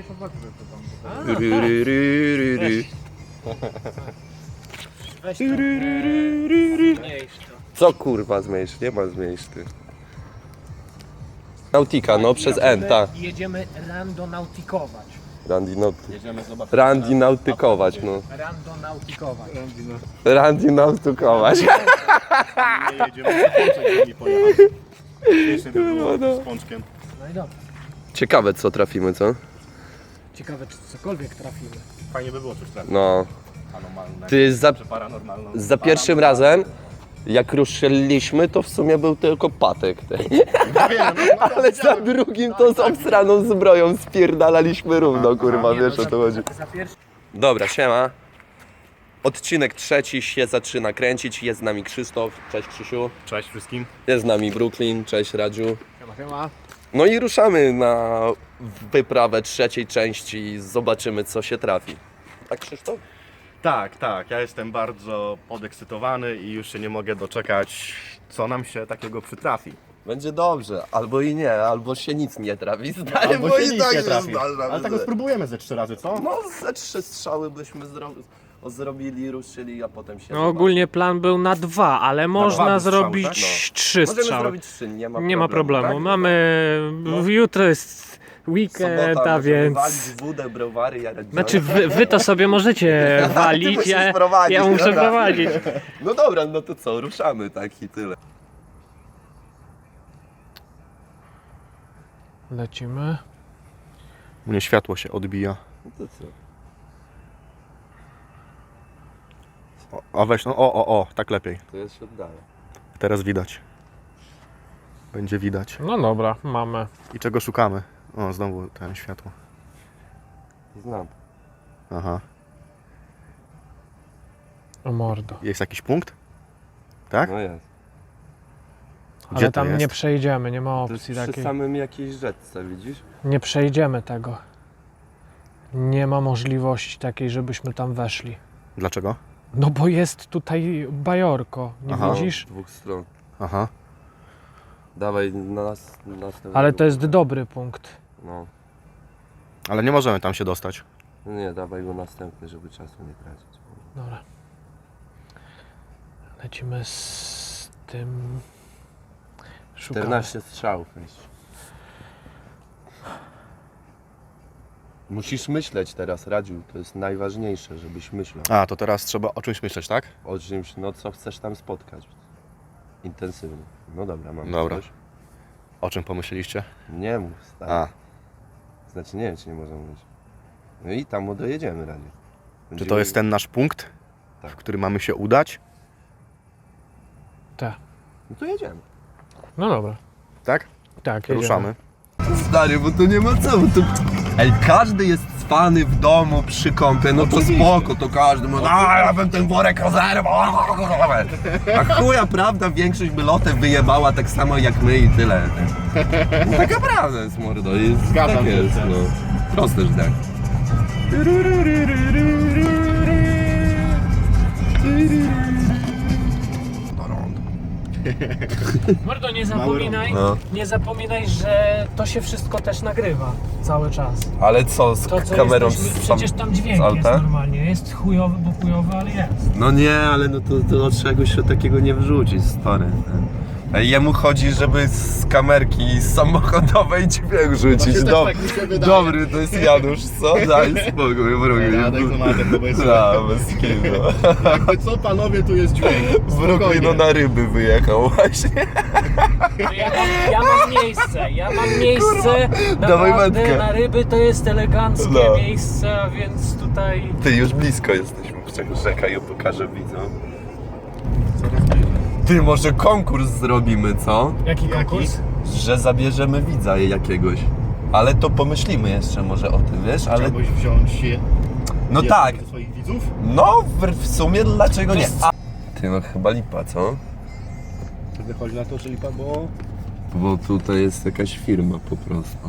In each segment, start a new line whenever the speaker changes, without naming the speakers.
zobaczmy co tam.
Weź to. Zmniejsz to.
Co kurwa zmniejsz? Nie ma zmniejsz ty. Nautika, no przez N, tak.
Jedziemy randonautikować.
Randy nautykować, no.
Randonautikować.
Randy nautykować.
Nie jedziemy, to pączek nie pojechać. Śmiesznie by było z pączkiem.
No i dobra.
Ciekawe co trafimy, co?
Ciekawe czy cokolwiek trafimy.
Fajnie by było coś trafić.
No.
Anomalne.
Ty
Czy paranormalną.
za pierwszym razem, jak ruszyliśmy, to w sumie był tylko patek. Ale za drugim to z obsraną zbroją spierdalaliśmy równo, kurwa, wiesz o to chodzi.
Za pierwszy...
Dobra, siema. Odcinek trzeci się zaczyna kręcić. Jest z nami Krzysztof. Cześć Krzysiu.
Cześć wszystkim.
Jest z nami Brooklyn. Cześć Radziu.
Siema.
No i ruszamy na wyprawę trzeciej części. Zobaczymy co się trafi. Tak Krzysztof?
Tak, ja jestem bardzo podekscytowany i już się nie mogę doczekać, co nam się takiego przytrafi.
Będzie dobrze. Albo i nie, albo się nic nie trafi. Stary,
Albo
bo
się
i
nic
tak
nie
się
trafi.
zdarza,
Ale tak
że-
spróbujemy ze 3 razy, co?
No ze 3 strzały byśmy zrobili, ruszyli, a potem się...
No ogólnie plan był na 2, ale można
dwa strzały,
zrobić
tak?
No.
3
Możemy
strzały.
zrobić 3,
Nie ma problemu.
tak?
Mamy... Jutro jest weekend,
Sobota,
a
możemy
więc...
walić wódę, browary, jarać
Znaczy wy to sobie możecie walić,
musisz
ja
prowadzić,
muszę
dobra.
prowadzić.
No dobra, no to co, ruszamy tak i tyle.
Lecimy.
U mnie światło się odbija.
No to co?
A weź, no o, tak lepiej.
To ja się oddaję.
Teraz widać. Będzie widać.
No dobra, mamy.
I czego szukamy? O, znowu ten światło.
Znam.
Aha.
O mordo.
Jest jakiś punkt? Tak?
No jest.
Gdzie
Ale
to
tam
jest?
nie przejdziemy, nie ma
To jest
opcji
przy
takiej.
samym jakiejś rzeczce, widzisz?
Nie przejdziemy tego. Nie ma możliwości takiej, żebyśmy tam weszli.
Dlaczego?
No bo jest tutaj bajorko, nie
Aha.
widzisz?
Z dwóch stron.
Aha.
Dawaj na następny.
Ale to jest dobry punkt.
No.
Ale nie możemy tam się dostać.
No nie, dawaj go następny, żeby czasu nie tracić.
Dobra. Lecimy z tym... Szukamy.
14 strzałów. Musisz myśleć teraz, Radziu, to jest najważniejsze, żebyś myślał.
A, to teraz trzeba o czymś myśleć, tak?
O czymś, no co chcesz tam spotkać. Intensywnie. No dobra, mam
Dobra.
coś.
O czym pomyśleliście?
Nie mów, stary.
A,
Znaczy nie wiem, czy nie możemy mówić. No i tam dojedziemy, Radziu.
czy to jest ten nasz punkt,
Tak.
w który mamy się udać?
Tak.
No to jedziemy.
No dobra.
Tak?
Tak, jedziemy.
Ruszamy.
Stary, bo to nie ma co, bo to... Ej, każdy jest cwany w domu przy kąpie, no to spoko, to każdy mówi, ja bym ten worek rozerwał. A chuja prawda, większość by lotem wyjebała tak samo jak my i tyle. No, taka prawda jest, mordo, jest,
Zgadzam
tak
się.
jest, no. Proste, że tak.
Mordo, nie zapominaj, że to się wszystko też nagrywa cały czas.
Ale co, z
To co
kamerą
jesteśmy, przecież tam dźwięk
z
jest
alta?
normalnie. Jest chujowy, bo chujowy, ale jest.
No nie, ale no to od czegoś się takiego nie wrzucić, stary. Jemu chodzi, żeby z kamerki samochodowej dźwięk rzucić. Dobry, to jest Janusz, co? Daj spokój, wrogi. Bez kitu.
Jakby co, panowie, tu jest dźwięk.
Wrogi no na ryby wyjechał właśnie.
Ja mam miejsce.
Dawaj
Naprawdę
wędkę.
na ryby to jest eleganckie
No.
miejsce, a więc tutaj...
Ty, już blisko jesteśmy, czekaj, ja pokażę widzom. Ty, może konkurs zrobimy, co?
Jaki konkurs?
Że zabierzemy widza jakiegoś. Ale to pomyślimy jeszcze może o tym, wiesz? Ale
Chciałbyś wziąć
no tak,
ze swoich widzów?
no w sumie dlaczego nie? Ty, no chyba lipa, co?
To wychodzi na to, że lipa, bo...
Bo tutaj jest jakaś firma po prostu.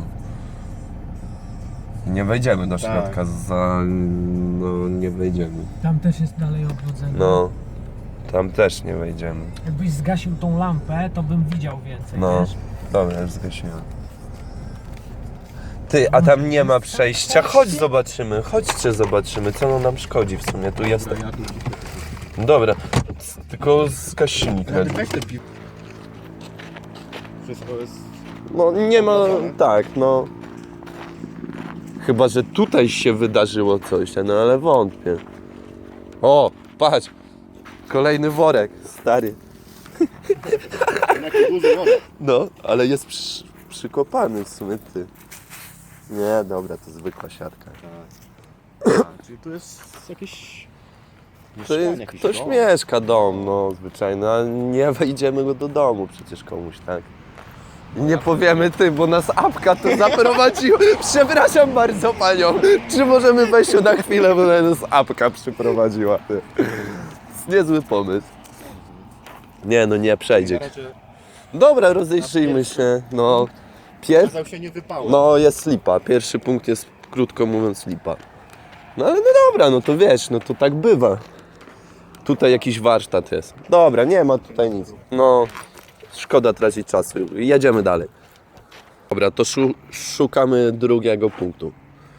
Nie wejdziemy do środka no nie wejdziemy.
Tam też jest dalej obchodzenie.
No, tam też nie wejdziemy.
Jakbyś zgasił tą lampę, to bym widział więcej,
No,
wiesz?
dobra, już zgasiłem. Ty, a tam nie ma przejścia. Chodź zobaczymy, chodźcie zobaczymy, co ono nam szkodzi w sumie. Tu jest. Dobra, tylko zgaś silnik.
Weź te piwo. Wszystko jest...
No nie ma, tak, no. Chyba, że tutaj się wydarzyło coś, no ale wątpię. O, patrz, kolejny worek, stary.
Jaki duży worek.
No, ale jest przykopany w sumie, ty. Nie, dobra, to zwykła siatka.
Czyli tu jest jakieś...
To jest, ktoś mieszka dom, no zwyczajny, a nie wejdziemy go do domu przecież komuś, tak? I nie powiemy ty, bo nas apka to zaprowadziła. Przepraszam bardzo panią, czy możemy wejść na chwilę, bo nas apka przyprowadziła, ty. To jest niezły pomysł. Nie, no nie przejdzie. Dobra, rozejrzyjmy się, no.
Kazał się nie wypał.
No jest lipa, pierwszy punkt jest krótko mówiąc lipa. No ale no dobra, no to wiesz, no to tak bywa. Tutaj jakiś warsztat jest. Dobra, nie ma tutaj nic. No, szkoda tracić czasu. Jedziemy dalej. Dobra, to szukamy drugiego punktu.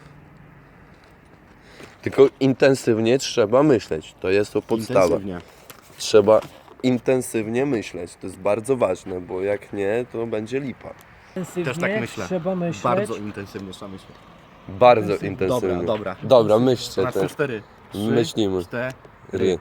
Tylko intensywnie trzeba myśleć. To jest to podstawa.
Intensywnie.
Trzeba intensywnie myśleć. To jest bardzo ważne, bo jak nie, to będzie lipa.
Też tak myślę.
Trzeba myśleć.
Bardzo intensywnie trzeba myśleć.
Bardzo intensywnie.
Dobra.
Dobra, myślcie
Na
też.
3-4.
Myślimy.
4.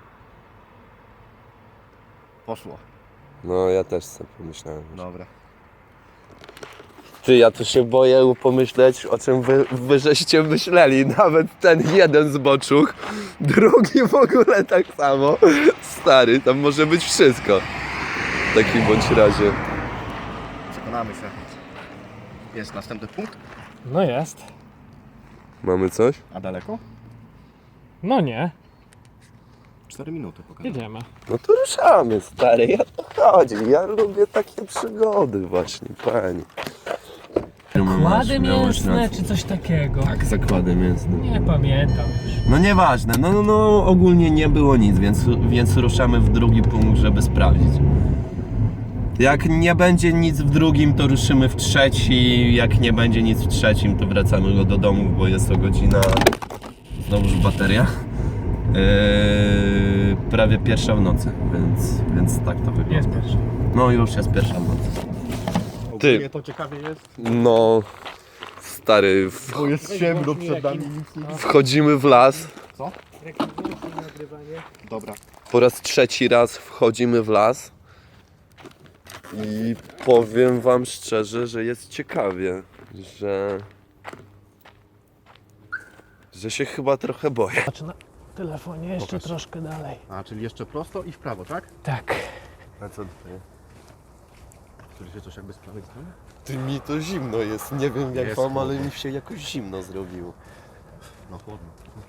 Poszło.
No ja też sobie pomyślałem.
Dobra.
Ty, ja to się boję pomyśleć, o czym wy żeście myśleli. Nawet ten jeden z boczuch, drugi w ogóle tak samo. Stary, tam może być wszystko. W takim bądź razie.
Przekonamy się. Jest następny punkt.
No jest.
Mamy coś?
A daleko?
No nie.
4 minuty pokażę.
Jedziemy.
No to ruszamy, stary, ja to chodzi. Ja lubię takie przygody właśnie, pani.
Zakłady mięsne czy coś takiego?
Tak, zakłady mięsne.
Nie pamiętam już.
No nieważne, no ogólnie nie było nic, więc ruszamy w drugi punkt, żeby sprawdzić. Jak nie będzie nic w drugim, to ruszymy w trzeci. Jak nie będzie nic w trzecim, to wracamy go do domu, bo jest to godzina... Znowuż bateria. Prawie pierwsza w nocy, więc tak to wygląda.
Jest pierwszy.
No już jest pierwsza w nocy.
Ogólnie to ciekawie jest,
No, stary,
bo jest ciemno przed nami.
wchodzimy w las.
Co? Dobra.
Po raz trzeci raz wchodzimy w las. I powiem wam szczerze, że jest ciekawie, że się chyba trochę boję.
Patrz na telefonie jeszcze
Pokaż.
troszkę dalej.
A, czyli jeszcze prosto i w prawo, tak?
Tak.
A co tutaj?
Czyli się coś jakby z prawej strony?
Ty, mi to zimno jest, nie wiem jak
Jest
wam, ale
chłodno.
mi się jakoś zimno zrobiło.
No chłodno.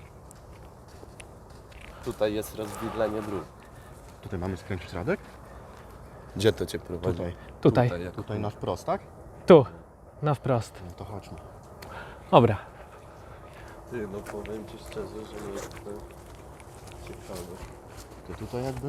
Tutaj jest rozwidlenie dróg.
Tutaj mamy skręcić Radek?
Gdzie to cię prowadzi?
Tutaj.
Tutaj.
jak
Tutaj na wprost, tak?
Tu. Na wprost.
No to chodźmy.
Dobra.
Ty, no powiem ci szczerze, że jest to ciekawe.
To tutaj jakby...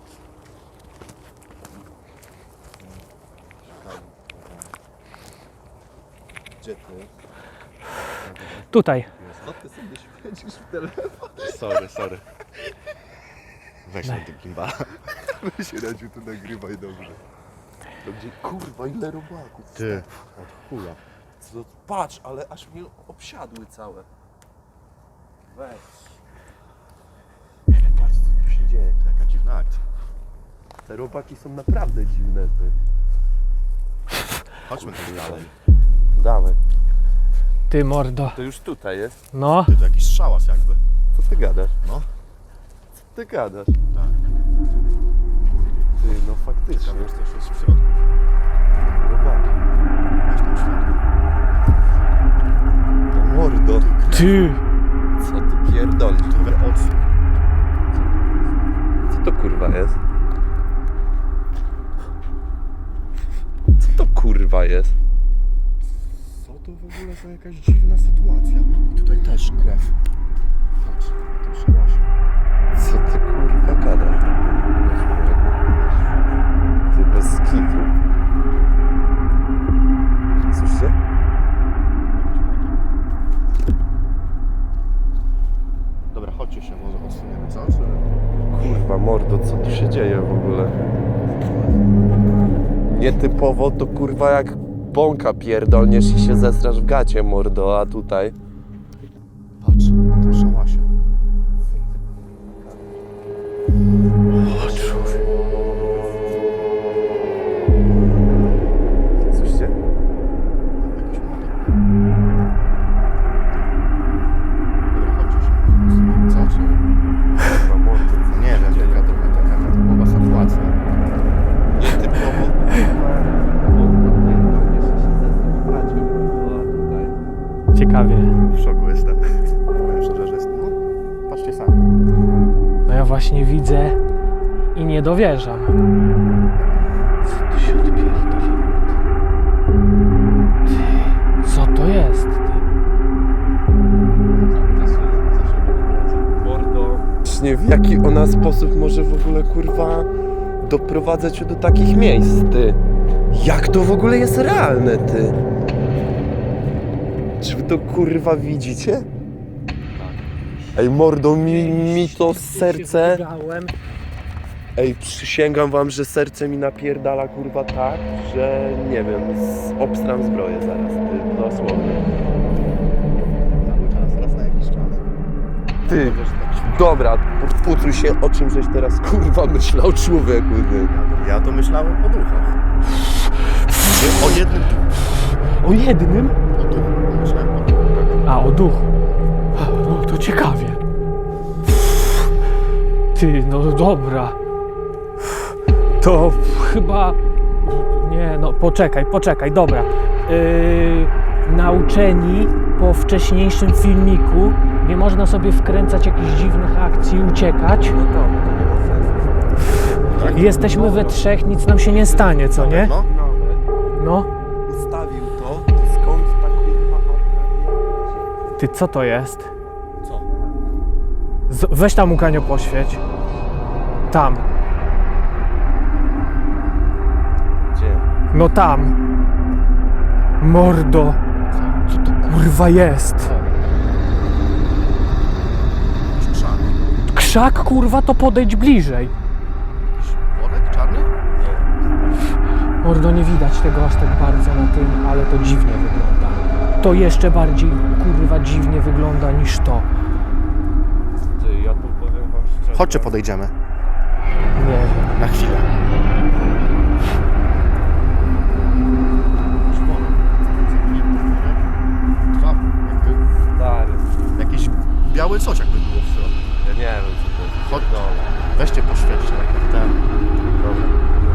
Gdzie ty?
Tutaj.
Co ty sobie świecisz w telefon?
Sorry. Weź na tym gimbala.
Weź Radziu, tu nagrywaj dobrze. To gdzie, kurwa, ile robaków.
Ty, od chuja.
Co, patrz, ale aż mnie obsiadły całe. Weź. Patrz, co tu się dzieje.
Jaka dziwna akcja.
Te robaki są naprawdę dziwne. Ty.
Chodźmy tam dalej.
Dawaj.
Ty mordo.
To już tutaj jest.
No.
Ty, to jakiś szałas jakby.
Co ty gadasz?
No.
Co ty gadasz?
Tak.
Ty, no faktycznie.
Tam jest coś jest w środku.
Robaki.
Weź tam światło.
To mordo.
Ty.
Co ty pierdolisz?
Trochę odsuń.
Co to kurwa jest? Co to kurwa jest?
Co to w ogóle za jakaś dziwna sytuacja? I tutaj też krew. Patrz, na tym szałasie.
Co ty kurwa gadasz? Ty bez kitu. Słyszycie? Kurwa mordo, co tu się dzieje w ogóle? Nietypowo to kurwa jak bąka pierdolniesz i się zestrasz w gacie mordo, a tutaj...
Patrz, na tym szałasie.
Słyszycie?
Jakiś motor. Dobra, chodź już. Co? Czy...
Kurwa mordo, co
Nie wiem, taka trochę taka nietypowa sytuacja.
nietypowo kurwa bąka pierdolniesz i się zestrasz w gacie mordo, a tutaj...
Ciekawie.
W szoku jestem. Powiem szczerze, że jest... No, patrzcie sami.
No ja właśnie widzę i nie dowierzam. Co tu się odpierdoliło? Ty, co to jest? Ty?
Mordo. Właśnie w jaki ona sposób może w ogóle kurwa doprowadzać się do takich miejsc, ty? Jak to w ogóle jest realne, ty? Czy wy to kurwa widzicie? Ej mordo, mi to serce... Ej, przysięgam wam, że serce mi napierdala kurwa tak, że nie wiem, obstram zbroję zaraz, ty, dosłownie.
Cały czas, raz na jakiś czas.
Ty, dobra, podpucuj się, o czym żeś teraz kurwa myślał, człowieku, ty.
Ja to myślałem o duchach. Nie, o jednym duchu.
O jednym?
O duchu. Myślałem o duchu.
A, o duchu. No to ciekawie. Ty, no dobra. To chyba... Nie, no poczekaj, dobra. Nauczeni po wcześniejszym filmiku nie można sobie wkręcać jakichś dziwnych akcji, uciekać.
No to nie ma sensu.
Jesteśmy we trzech, nic nam się nie stanie, co nie?
No.
No.
Ustawił to, skąd ta kurwa apka?
Ty, co to jest?
Co?
Weź tam, Łukanio, poświeć. Tam.
Gdzie?
No tam. Mordo. Co to kurwa jest?
Jakiś krzak.
Krzak, kurwa, to podejdź bliżej.
Jakiś worek czarny?
Mordo, nie widać tego aż tak bardzo na tym, ale to dziwnie wygląda. To jeszcze bardziej, kurwa, dziwnie wygląda niż to.
Ty, ja tu powiem wam szczerze.
Chodźcie, podejdziemy.
Nie wiem.
Na chwilę. Dwa, jakby
Stary,
jakiś biały coś jakby było w środku.
ja nie wiem co to jest.
Chodź.
Pierdolę.
Weźcie poświęćcie, tak jak ten.
Dobra.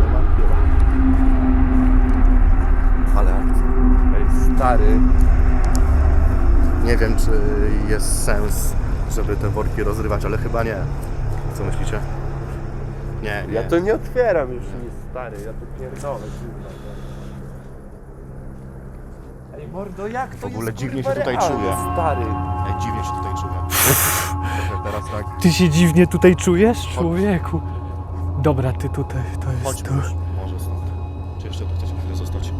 Ale akcja. Ej, stary.
Nie wiem, czy jest sens, żeby te worki rozrywać, ale chyba nie. Co myślicie? Nie, nie.
Ja to nie otwieram już nic, stary, ja to pierdolę, kurwa. Ej mordo, jak to
W ogóle
jest,
dziwnie
kurwa,
się tutaj
realne,
czuję.
stary.
Ej, dziwnie się tutaj czuję. Trochę teraz tak.
Ty się dziwnie tutaj czujesz, człowieku? Dobra, ty tutaj, to jest
Chodźmy
tu.
już, może stąd. Czy jeszcze tu chcecie chwilę zostać?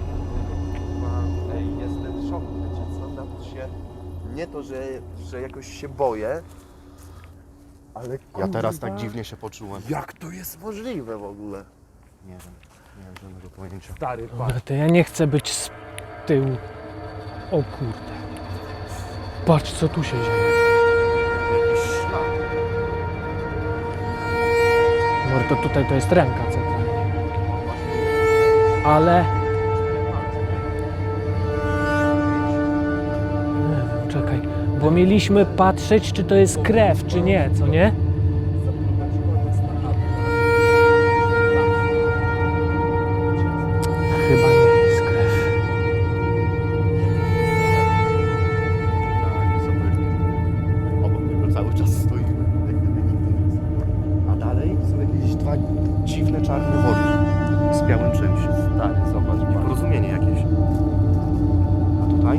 Ej, jestem w szoku, wiecie co, nawet się... Nie to, że jakoś się boję, ale
Ja teraz
kurwa,
tak dziwnie się poczułem.
Jak to jest możliwe w ogóle?
Nie wiem, nie mam żadnego pojęcia.
Stary, patrz.
Dobra, to ja nie chcę być z tyłu. O kurde. Patrz, co tu się dzieje.
Jakiś ślad.
Mordo, tutaj to jest ręka centralnie. Ale... Nie wiem, czekaj. Bo mieliśmy patrzeć, czy to jest krew, czy nie, co nie? Chyba nie jest krew.
Obok niego cały czas stoimy. Jak gdyby nigdy nic. A dalej są jakieś dwa dziwne czarne worki z białym czymś.
Stary, zobacz, patrz.
Porozumienie jakieś. A tutaj?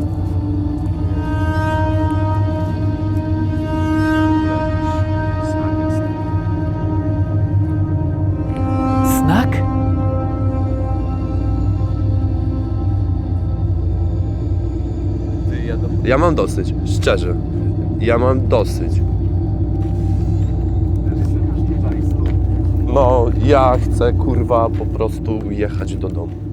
Znak jest.
Znak?
Ja mam dosyć, szczerze. Ja mam dosyć. No, ja chcę, kurwa, po prostu jechać do domu.